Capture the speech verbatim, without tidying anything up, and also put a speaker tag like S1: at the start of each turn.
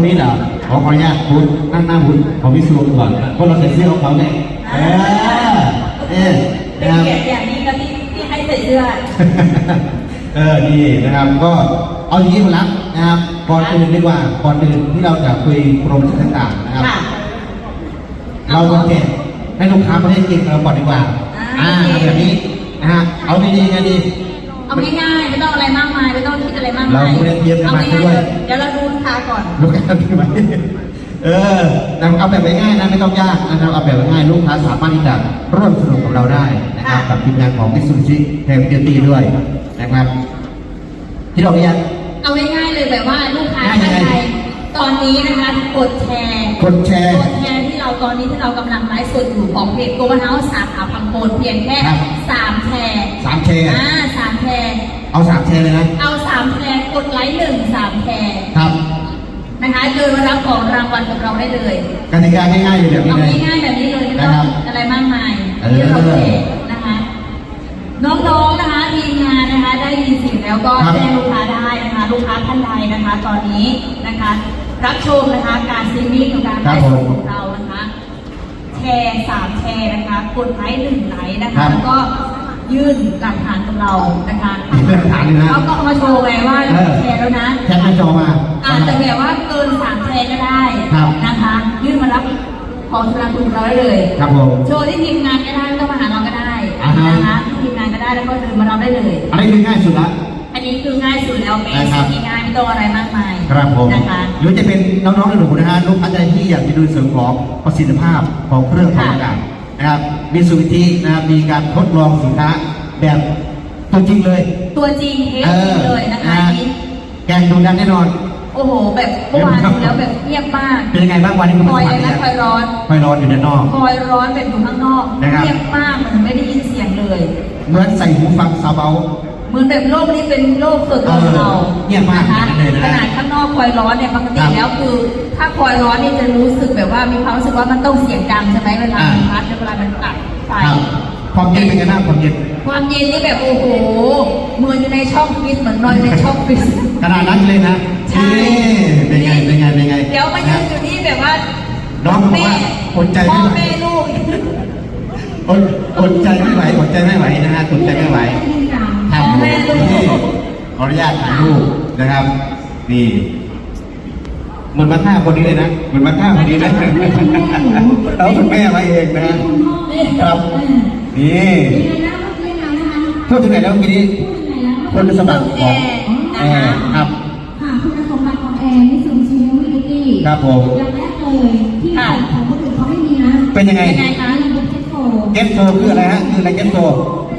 S1: นี้เหรอขอขออนุญาตคุณนั่งหน้าคุณขอพิสูจน์ก่อนเพราะเราใส่เสื้อของเขาไงเออเออ
S2: เป็นเกียรติอย่างนี้ก็ที่ที่ให้ใส่เสื้อ
S1: เออดีนะครับก็เอาอย่างนี้มาแล้วนะครับก่อนอื่นดีกว่าก่อนอื่นที่เราจะคุยโปรโมชั่นต่างๆนะครับเราจะเก็บให้ลูกค้าประเทศจีนเราก่อนดีกว่าอ่าแบบนี้นะฮะเอาดีๆไงดี
S2: เอาง่ายๆไม่ต้องอะไรมากมายไม่ต้องคิดอะไรมากมาย
S1: เราไม่ได้เตรียมกันมาด้วย
S2: เดี๋ยวเราดูลูกค้าก่อน
S1: ลูกค้าดีไหมเออเอาแบบง่ายๆนะไม่ต้องยากนะครับเอาแบบง่ายลูกค้าสามารถที่จะร่วมสนุกกับเราได้นะครับกับทีมงานของมิตซูบิชิแฮมเบียตี้ด้วยนะครับที่เราเรียน
S2: เอาง่ายๆเลยแบบว่าลูกค้าท่านใดตอนนี้นะคะกดแชร์
S1: กดแชร์
S2: กดแชร์ที่เราตอนนี้ที่เรากำลังไลฟ์สดอยู่ของเพจโกลบอลเฮาส์สาขาพังโคนเพียงแค่สามแชร์
S1: สามแชร์
S2: อ่าสามแชร์
S1: เอาสามแชร์เลยนะ
S2: เอาสามแชร์กดไลค์หนึ่งสามแชร์
S1: ครับ
S2: นะคะเดินมารับของรางวัลกับเราได้เลย
S1: กติกาง่ายๆเลยแบบนี้เลย
S2: ง่ายๆแบบนี้เลยไม่ต้องอะไรมากมายเดี๋ยวเราเทนะคะน้องๆนะคะทีมงานนะคะได้ยินเสียงแล้วก็แจ้งลูกค้าได้นะคะลูกค้าท่านใดนะคะ ตอนนี้นะคะรับชมนะคะการซีรีส์ของการไลฟ์สดของเรานะคะแชร์สามแชร์นะคะกดไลค์หนึ่งไลค์นะคะแล้วก็ยื่นหลักฐานกับเรานะคะ
S1: หลักฐานเลยนะ
S2: เขาก็เอามาโชว์ไงว่าแชร์แล้วนะ
S1: แชร์หน้าจอมา
S2: อาจจะแบบว่าเกินสามแชร์ก็ได้นะคะยื่นมารับของสำหรับคุณเราได้เลย
S1: ครับผม
S2: โชว์ที่ทีมงานก็ได้ต้องมาหาเราก็ได้นะคะที่ทีมงานก็ได้แล้วก็เดินมาเราได้เลย
S1: อันนี้คือง่ายสุดละ
S2: อันนี้คือง่ายสุดแล้วเป็นสิ่งง่ายไม่ต้องอะไรมากมาย
S1: ครับผม
S2: นะคะ
S1: หรือจะเป็นน้องๆหนูๆนะฮะลูกค้าใจที่อยากจะดูเสริมของประสิทธิภาพของเครื่องทำอากาศนะครับมีสูตรที่นะครับมีการทดลองสินค้าแบบตัวจริงเลย
S2: ตัวจริงเทสจริงเลยนะคะ
S1: แกงดูดันแน่นอน
S2: โอ้โหแบบเมื่อวานดูแล้วแบบเงียบมาก
S1: เป็นยังไงบ้างวันนี้คุณ
S2: คอยอะไรนะคอยร้อน
S1: คอยร้อนอยู่ด้านนอก
S2: คอยร้อนแบบอยู่ข้างนอกเงียบมากเหมือนไม่ได้ยินเสียงเลย
S1: เหมือนใส่หูฟังซาเบา
S2: เหมือนแบบโลกนี้เป็นโลกส่วนตัวของเรา
S1: เงียบมาก
S2: นะคะขนาดข้างนอกคอยร้อนเนี่ยปกติแล้วคือถ้าคอยร้อนนี่จะรู้สึกแบบว่ามีความรู้สึกว่ามันต้องเสียงดังใช่ไหมเวลามันพัดเวลามันตัดไฟ
S1: ความเย็นเป็นไงบ้างความเย็น
S2: ความเย็นนี่แบบโอ้โหเหมือนอยู่ในช่องฟิสเหมือนนอนในช่องฟิส
S1: ขนาดนั้นเลยนะ
S2: ใช่
S1: เป็นไงเป็นไงเป็นไง
S2: เดี๋ยวมายืนอยู่นี่แบบว่า
S1: น้องบอกว่าอดใจไม่ไหว
S2: พ่อแม่ลูก
S1: อดอดใจไม่ไหวอดใจไม่ไหวนะฮะอดใจไม่ไหว
S2: ทำแม่ลูก
S1: ขออนุญาตถ่ายรูปนะครับนี่เหมือนมาท่าคนนี้เลยนะเหมือนมาท่าคนนี้นะแล้วคุณแม่มาเองนะครับนี่พูดถึงไหนแล้วเมื่อกี้คุณสมบัติของแอร์ครับ
S3: ค่ะคุณสมบัติของแอร์มิสูบิชิเฮลวิตี้
S1: ครับผม
S3: อย่างแรกเลยที่ของคนอื่นเขาไม่มีนะ
S1: เป็นยังไง
S3: คะเก็ตโฟ
S1: เก็ตโฟคืออะไรฮะคืออะไรเก็ตโฟ